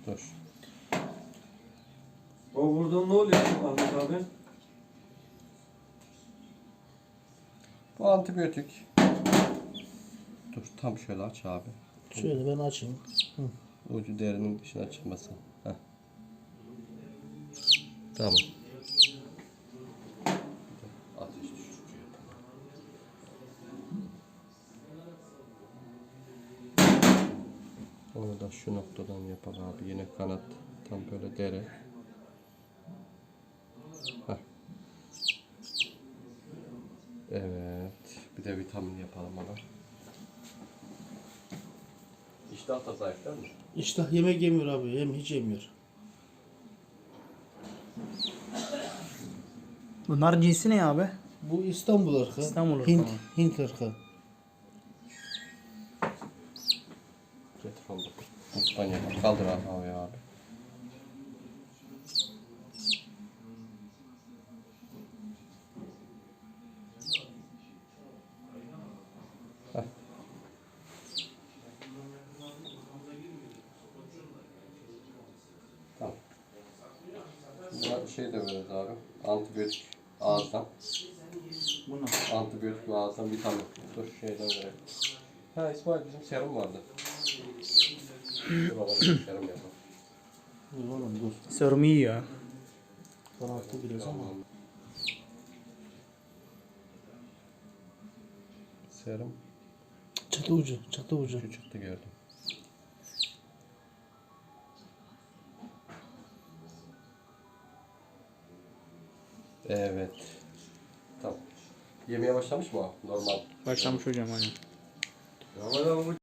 Dur. O burada ne oluyor Ahmet abi? Bu antibiyotik. Dur tam şöyle aç abi. Şöyle ben açayım. Ucu derinin dışına çıkmasın. Heh. Tamam. Ateş düşürücü yapalım. Onu da şu noktadan yapalım abi. Yine kanat. Tam böyle deri. Heh. Evet. Bir de vitamin yapalım ona. İştah da zayıf değil mi? İştah yemek yemiyor abi. Hiç yemiyor. Bunlar cinsi ne abi? Bu İstanbul ırkı. İstanbul ırkı Hint, mı? Hint ırkı. Getir onu. Muttan yapalım. Kaldır abi havaya abi. Heh. Tamam. Buna şey de veririz abi. Antibiyotik ağızdan. Bunu. Antibiyotik ve ağızdan vitamin. Dur şeyden verelim. Ha İsmail bizim serum vardı. Dur baba serum yapalım. Dur oğlum dur. Serum iyi ya. Kararttı biraz ama. Tamam. Serum Çatı ucu. Çatı ucu. şu çıktı gördüm. Evet. Tamam. Yemeye başlamış mı o? Normal. Başlamış hocam hani. Ahmet abi bu